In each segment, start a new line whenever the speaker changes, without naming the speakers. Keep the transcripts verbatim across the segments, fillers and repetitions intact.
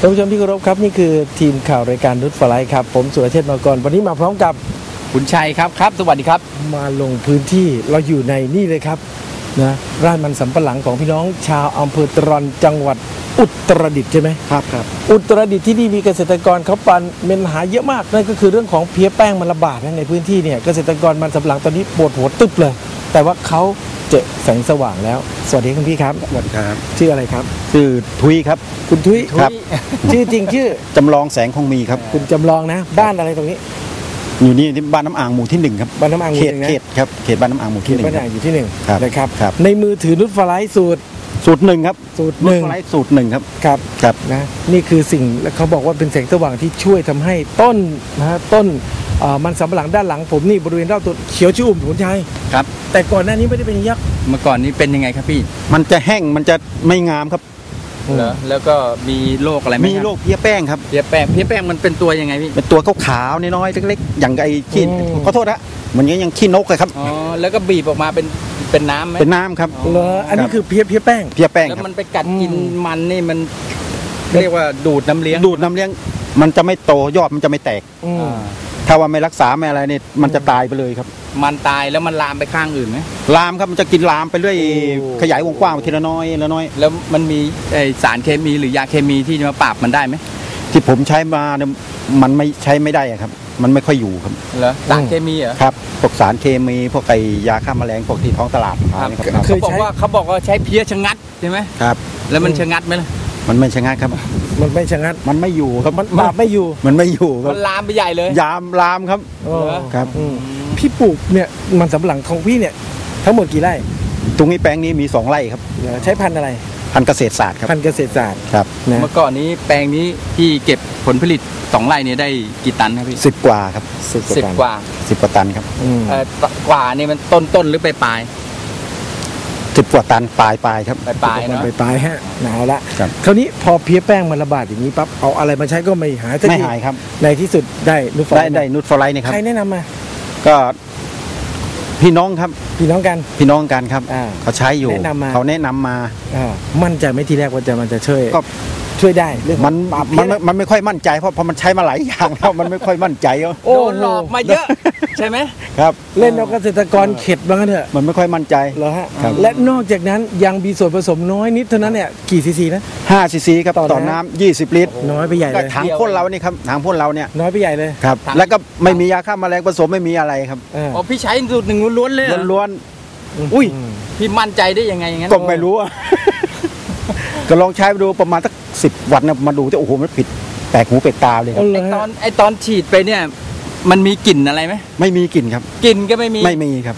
ท่านผู้ชมที่เคารพครับนี่คือทีมข่าวรายการนุชฟลายครับผมสุรเชษฐ์มกรวันนี้มาพร้อมกับ
คุณชัยครับครับสวัสดีครับ
มาลงพื้นที่เราอยู่ในนี่เลยครับนะไร่มันสำปะหลังของพี่น้องชาวอำเภอตรันจังหวัดอุตรดิตถ์ใช่ไหม
ครับครับ
อุตรดิตถ์ที่นี่มีเกษตรกรเขาปันเป็นหาเยอะมากนั่นก็คือเรื่องของเพี้ยแป้งมันระบาดในพื้นที่เนี่ยเกษตรกรมันสำปะหลังตอนนี้ปวดหัวตึ๊บเลยแต่ว่าเขาเจอแสงสว่างแล้วสวัสดีคุณพี่ครับ
สวัสดีครับ
ชื่ออะไรครับ
ชื่อทุยครับ
คุณทุย
ครับ
ชื่อจริงชื่อ
จำลองแสงคงมีครับ
คุณจำลองนะบ้านอะไรตรงนี้
อยู่นี่ที่บ้านน้ำอ่างหมู่ที่หนึ่งครับ
บ้านน้ำอ่างหมู่
เขตเขตครับเขตบ้านน้ำอ่างหมู่ที่หนึ่ง
บ้านน้ำอ่างอยู่ที่หนึ่งนะครับ
ครับ
ในมือถือนุชฟลายสูตร
สูตรหนึ่งครับ
สูตรหนึ่ง
สูตรหนึ่งครับ
ครับ
ครับ
นะนี่คือสิ่งและเขาบอกว่าเป็นแสงสว่างที่ช่วยทำให้ต้นนะต้นมันสำปะหลังด้านหลังผมนี่บริเวณรอบต้นเขียวชุ่มผลชัย
ครับ
แต่ก่อนหน้านี้ไม่ได้เป็นยักษ์
เมื่อก่อนนี้เป็นยังไงครับพี่
มันจะแห้งมันจะไม่งามครับ
เหรอแล้วก็มีโรคอะไรไหม
มีโรคเพี้ยแป้งครับ
เพี้ยแป้งเพี้ยแป้งมันเป็นตัวยังไงพี่
เป็นตัวขาวๆน้อยๆเล็กๆอย่างไอ้ขี้ขอโทษนะมันยังขี้นกเลยครับ
อ๋อแล้วก็บีบออกมาเป็นเป็นน้ำไหม
เป็นน้ำครับ
เหรออันนี้คือเพี้ยเพี้ยแป้ง
เพี้ยแป้ง
แล้วมันไปกัดกินมันนี่มันเรียกว่าดูดน้ำเลี้ยง
ดูดน้ำเลี้ยงมันจะไม่โตยอดมันจะไม่แตกถ้าว่าไม่รักษาไม่อะไรเนี่ยมันจะตายไปเลยครับ
มันตายแล้วมันลามไปข้างอื่นไหม
ลามครับมันจะกินลามไปเรื่อยขยายวงกว้างไปทีละน้อยละน้อย
แล้วมันมีสารเคมีหรือยาเคมีที่จะมาปราบมันได้ไหม
ที่ผมใช้มาเนี่ยมันไม่ใช้ไม่ได้ครับมันไม่ค่อยอยู่ครับ
เหรอสารเคมีเหรอ
ครับพวกสารเคมีพวกไอยาฆ่าแมลงพวกที่ท้องตลาด
เขาบอกว่าเขาบอกว่าใช้เพี้ยชะงัดใช่ไหม
ครับ
แล้วมันชะงัดไหมล่ะ
มันไม่ชะงัดครับ
มันไม่ชะงัด
มันไม่อยู่ครับ
มันบาปไม่อยู่
มันไม่อยู่ครับ
มันลามไปใหญ่เลย
ยามลามครับครับ
พี่ปลูกเนี่ยมันสำปะหลังของพี่เนี่ยทั้งหมดกี่ไร่
ตรงนี้แปลงนี้มีสองไร่ครับ
ใช้พันธุ์อะไร
พันธุ์เกษตรศาสตร์ครับ
พันธุ์เกษตรศาสตร์
ครับ
เมื่อก่อนนี้แปลงนี้ที่เก็บผลผลิตสองไร่นี้ได้กี่ตันครับพี่
สิบกว่าครับ
สิบกว่า
สิบกว่าตันครับ
กว่านี่มันต้นต้นหรือปลายปลาย
สิบกว่าตันปลายปลายครับ
ปลายปลายเนาะ
ปลายปลายฮะหนาวละคราวนี้พอเพี้ยแป้งมันระบาดอย่างนี้ปั๊บเอาอะไรมาใช้ก็ไม่หาย
ไม่หายครับ
ในที่สุดได้นุชฟลาย
ได้ได้นุชฟลายนี่ครับ
ใครแนะนำมา
ก็พี่น้องครับ
พี่น้องกัน
พี่น้องกันครับเขาใช้อยู่เขาแนะนำมา
มั่นใจไหมทีแรกว่าจะมันจะช่วยก็ช่วยได้เรื่อง
มันมันมันไม่ค่อยมั่นใจเพราะพอมันใช้มาหลายอย่างแล้วมันไม่ค่อยมั่นใจ
โดนหลอกมาเยอะใช่ไหม
ครับ
เล่นเอาเกษตรกรเข็ดบ้างเถอะ
มันไม่ค่อยมั่นใจ
เหรอฮะและนอกจากนั้นยังมีส่วนผสมน้อยนิดเท่านั้นเนี่ยกี่ซีซีนะ
ห้าซีซีครับต่อน้ำยี่สิบลิตร
น้อยไปใหญ่เลย
ถังพ่นเรานี่ครับถังพ่นเราเนี่ย
น้อยไปใหญ่เลย
ครับแล้วก็ไม่มียาฆ่าแมลงผสมไม่มีอะไรครับ
อ๋อพี่ใช้สูตรหนึ่งล้วนๆเลย
ล้วน
ๆอุ้ยพี่มั่นใจได้ยังไงอย่างนั้น
ก็ไม่รู้ก็ลองใช้ดูประมาณสักสิบวันนะมาดูจะโอ้โหมันผิดแปลกหูแปลกตาเลยครับ
ไอตอนไอตอนฉีดไปเนี่ยมันมีกลิ่นอะไรไหม
ไม่มีกลิ่นครับ
กลิ่นก็ไม่มี
ไม่มีครับ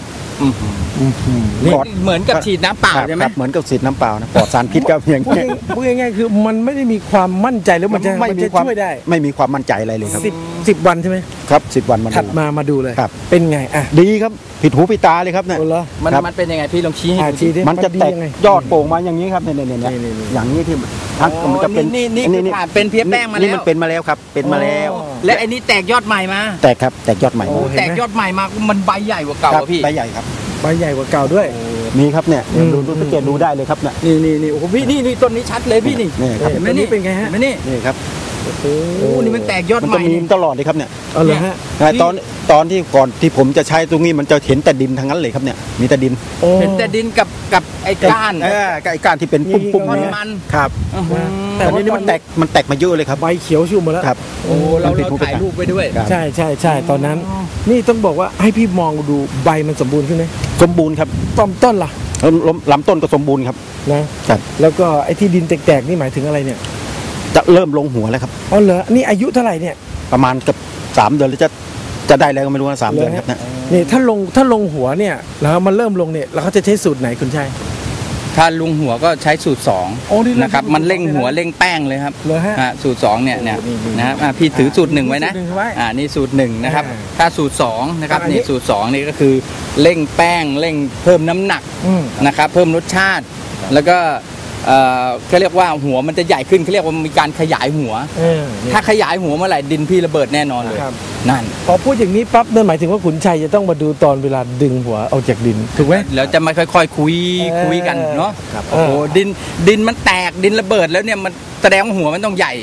เหมือนกับฉีดน้ำเปล่าใช่ไหม
เหมือนกับฉีดน้ำเปล่านะปลอดสารพิษครับอย่าง
นี้พูดง่ายๆคือมันไม่ได้มีความมั่นใจหรือมันจะ
ไม่มีความ
ช่วยได้
ไม่มีความมั่นใจอะไรเลยครับ
สิบสิบวันใช่ไหม
ครับสิบวันมา
ถัดมามาดูเลย
ครับ
เป็นไงอ่ะ
ดีครับผิดหูผิดตาเลยครับเนี่ย
มันมันเป็นยังไงพี่ลองชี้ให้
ดู
มันจะแตกยอดโป่งมาอย่างนี้ครับเนี่ยเนี่ยอย่างนี้ที่ทั้งมันจะเป็น
นี่นี่นี่เป็นเพี้ยแป้งมาแล้ว
นี่มันเป็นมาแล้วครับเป็นมาแล้ว
และไอ้นี่แตกยอดใหม่มา
แตกครับแตกยอดใหม่
แตกยอดใหม่มามันใบใหญ่กว่าเก่าพี่
ใบใหญ่ครับ
ใบใหญ่กว่าเก่าด้วย
มีครับเนี่ยดูดูสังเกตดูได้เลยครับเนี่ย
นี่นี่นี่โอ้โหพี่นี่นี่ต้นนี้ชัดเลยพี่นี่
นี่ครับ
ไม่นี่เป็นไงฮะ
ไม่นี่
นี่ครับ
โอ้โหนี่มันแตกยอดใหม่
มันจะมีตลอดเลยครับเนี่ย
เอาเลยฮะ
ตอนตอนที่ก่อนที่ผมจะใช้ตรงนี้มันจะเห็นแต่ดินทั้งนั้นเลยครับเนี่ยมีแต่ดิน
เห็นแต่ดินกับกับไอ้ก้าน
เออไอ้ก้านที่เป็นปุ้มปุ้ม
มัน
ครับแต่ตอนนี้มันแตกมันแตกมาเยอะเลยครับ
ใบเขียวชุ่มหมดแล้ว
ครับ
โอ้เราเราถ่ายรูปไปด้วย
ใช่ใช่ใช่ตอนนั้นนี่ต้องบอกว่าให้พี่มองดูใบมันสมบูรณ์ขึ้นไหม
สมบูรณ์ครับ
ต้นต้นล่ะ
ลำต้นก็สมบูรณ์ครับ
นะครับแล้วก็ไอ้ที่ดินแตกๆนี่หมายถึงอะไรเนี่ย
จะเริ่มลงหัวแล้วครับ
อ๋อเหรอนี่อายุเท่าไหร่เนี่ย
ประมาณกับสามเดือนหรือจะจะได้แล้วก็ไม่รู้นะสามเดือนครับเนี่ย
นี่ถ้าลงถ้าลงหัวเนี่ยแล้วมันเริ่มลงเนี่ยแล้วเขาจะใช้สูตรไหนคุณชัย
ถ้าลงหัวก็ใช้สูตรสองนะครับมันเร่งหัวเร่งแป้งเลยครับสูตรสองเนี่ยเนี่ยนะพี่ถือสูตรหนึ่งไว้นะอ่านี่สูตรหนึ่งนะครับถ้าสูตรสองนะครับนี่สูตรสองนี่ก็คือเร่งแป้งเร่งเพิ่มน้ำหนักนะครับเพิ่มรสชาติแล้วก็เขาเรียกว่าหัวมันจะใหญ่ขึ้นเขาเรียกว่ามีการขยายหัวถ้าขยายหัวเมื่อไหร่ดินพี่ระเบิดแน่นอนเลยนั่น
พอพูดอย่างนี้ปั๊บนั่นหมายถึงว่าขุนชัยจะต้องมาดูตอนเวลาดึงหัวออกจากดินถูกไหม
แล้วจะมาค่อยๆคุยคุยกันเนาะโอ้โหดินดินมันแตกดินระเบิดแล้วเนี่ยมันแสดงว่าหัวมันต้องใหญ่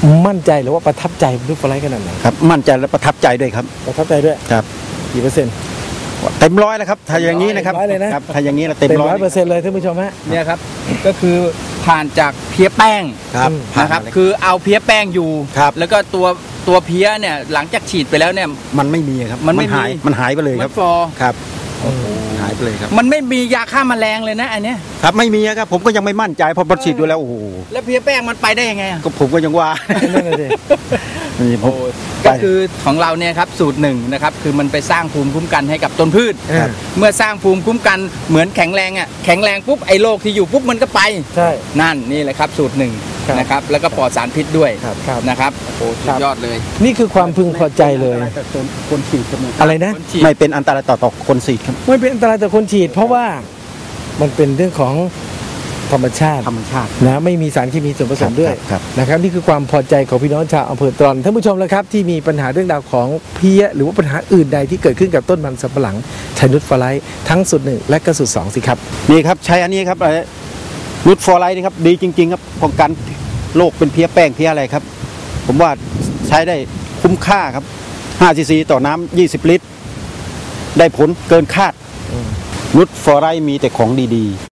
มั่นใจหรือว่าประทับใจนูตฟอร์ไลท์ขนาดไหน
ครับมั่นใจและประทับใจด้วยครับ
ประทับใจด้วย
ครับ
กี่เปอร์เซ็นต์
เต็มร้อยแล้วครับถ้าอย่างนี้นะครับ
เต็มร้อยเลยนะ
ครับถ้าอย่างนี้เราเต็ม
เต็ม
ร้อย
ร้อยเปอร์เซ็นต์เลยท่านผู้ชมฮะ
เนี่ยครับก็คือผ่านจากเพี้ยแป้ง
ครับ
อืม
ผ่าน
นะครับ
มาเลย
คือเอาเพี้ยแป้งอยู่
ครับ
แล้วก็ตัวตัวเพี้ยเนี่ยหลังจากฉีดไปแล้วเนี่ย
มันไม่มีครับ
มันไม่มี
หายมันหายไปเลย
มั
ครับ
นฟอร์
ครับหายไปเลยครับ
มันไม่มียาฆ่าแมลงเลยนะอันเนี้ย
ครับไม่มีครับผมก็ยังไม่มั่นใจเพอพอฉีดดูแล้วโอ้โห
แล้วเพี้ยแป้งมันไปได้ยังไงอะ
ก็ผมก็ยังว่า
นั่นน่ะสิ
นี่ผม
ก็คือของเราเนี่ยครับสูตรหนึ่งนะครับคือมันไปสร้างภูมิคุ้มกันให้กับต้นพืช
ครับ
เมื่อสร้างภูมิคุ้มกันเหมือนแข็งแรงอ่ะแข็งแรงปุ๊บไอ้โรคที่อยู่ปุ๊บมันก็ไป
ใช่
นั่นนี่แหละครับสูตรหนึ่ง
ครับ
นะครับแล้วก็ปลอดสารพิษด้วย
ครับครับ
นะครับโอ้สุดยอดเลย
นี่คือความพึงพอใจเลย
คนฉีดครับ
อะไรนะ
คนฉีด
ไม่เป็นอันตรายต่อต่อคนฉีดครับ
ไม่เป็นอันตรายต่อคนฉีด เพราะว่ามันเป็นเรื่องของธรรมชาติ
ธรรมชาติ
นะไม่มีสารเคมีส่วนผสมด้วย
ครับ
นะครับนี่คือความพอใจของพี่น้องชาวอำเภอตรอนท่านผู้ชมแล้วครับที่มีปัญหาเรื่องราวของเพี้ยหรือว่าปัญหาอื่นใดที่เกิดขึ้นกับต้นมันสำปะหลังใช้นูตฟอร์ไลท์ทั้งสูตรหนึ่งและก็สูตรสองสิครับ
นี่ครับใช้อันนี้ครับอะไรนูตฟอร์ไลท์นี่ครับดีจริง ๆ ครับป้องกันโรคเป็นเพี้ยแป้งเพี้ยอะไรครับ ผมว่าใช้ได้คุ้มค่าครับห้าซีซีต่อน้ำยี่สิบลิตร ได้ผลเกินคาดนูตฟอร์ไลท์มีแต่ของดีๆ